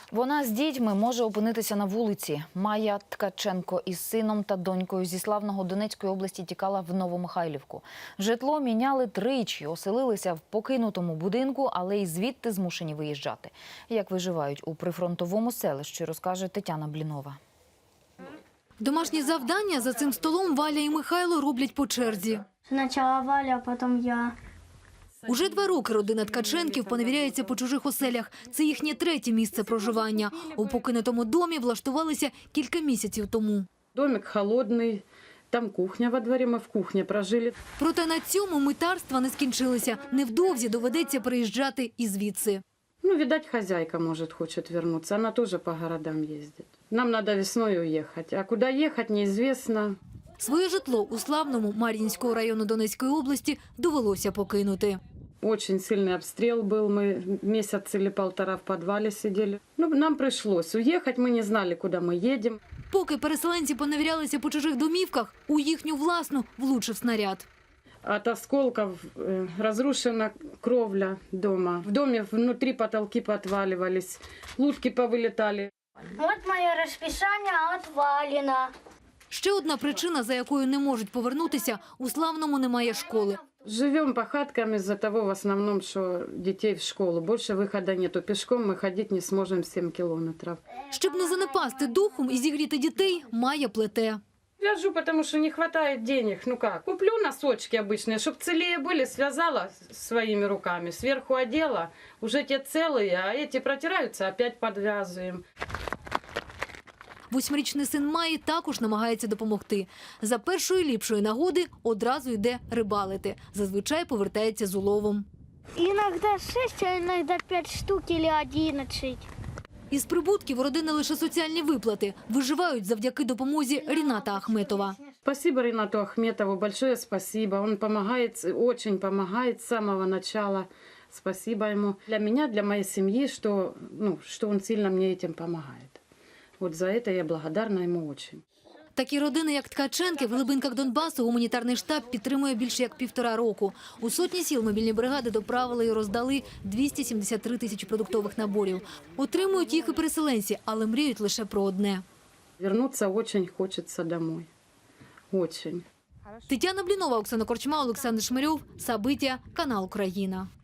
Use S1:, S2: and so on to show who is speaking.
S1: Вона з дітьми може опинитися на вулиці. Майя Ткаченко із сином та донькою зі славного Донецької області тікала в Новомихайлівку. Житло міняли тричі, оселилися в покинутому будинку, але й звідти змушені виїжджати. Як виживають у прифронтовому селищі, розкаже Тетяна Блінова.
S2: Домашні завдання за цим столом Валя і Михайло роблять по черзі.
S3: Спочатку Валя, а потім я.
S2: Уже 2 роки родина Ткаченків поневіряється по чужих оселях. Це їхнє 3-те місце проживання. У покинутому домі влаштувалися кілька місяців тому.
S4: Домик холодний, там кухня во дворі, ми в кухні прожили.
S2: Проте на цьому митарства не скінчилися. Невдовзі доведеться переїжджати і звідси.
S4: Видать, хозяйка, может, хочет вернуться. Она тоже по городам ездит. Нам надо весной уехать. А куда ехать, неизвестно.
S2: Своє житло у славному Мар'їнського району Донецької області довелося покинути.
S4: Очень сильный обстрел был. Мы месяц или 1,5 в подвале сидели. Нам пришлось уехать. Мы не знали, куда мы едем.
S2: Поки переселенці поневірялися по чужих домівках, у їхню власну влучив снаряд.
S4: От осколков разрушена кровля дома. В доме внутри потолки подваливались, лутки повылетали.
S3: От моє розписання відвалено.
S2: Ще одна причина, за якою не можуть повернутися – у Славному немає школи.
S4: Живем по хаткам из-за того, в основном, что детей в школу. Больше выхода нету. Пешком мы ходить не сможем 7 километров.
S2: Щоб не занепасти духом і зігріти дітей, Майя плете.
S4: Вяжу, потому что не хватает денег. Куплю носочки обычные, чтобы целее были, связала своими руками, сверху одела, уже те целые, а эти протираются, опять подвязываем.
S2: 8-річний син Майї також намагається допомогти. За першої ліпшої нагоди одразу йде рибалити. Зазвичай повертається з уловом.
S3: Іноді 6, а іноді 5 штук або 11.
S2: Із прибутків родини лише соціальні виплати. Виживають завдяки допомозі Ріната Ахметова.
S4: Спасибо Ринату Ахметову, большое спасибо. Он помогает, очень помогает с самого начала. Спасибо ему. Для меня, для моей семьи, что он сильно мне этим помогает. Вот за это я благодарна ему очень.
S2: Такі родини, як Ткаченки, в глибинках Донбасу гуманітарний штаб підтримує більше як 1,5 року. У сотні сіл мобільні бригади доправили і роздали 273 тисячі продуктових наборів. Отримують їх і переселенці, але мріють лише про одне.
S4: Вернуться очень хочется домой. Очень.
S2: Тетяна Блінова, Оксана Корчма, Олександр Шмирьов, Сабиття, канал Україна.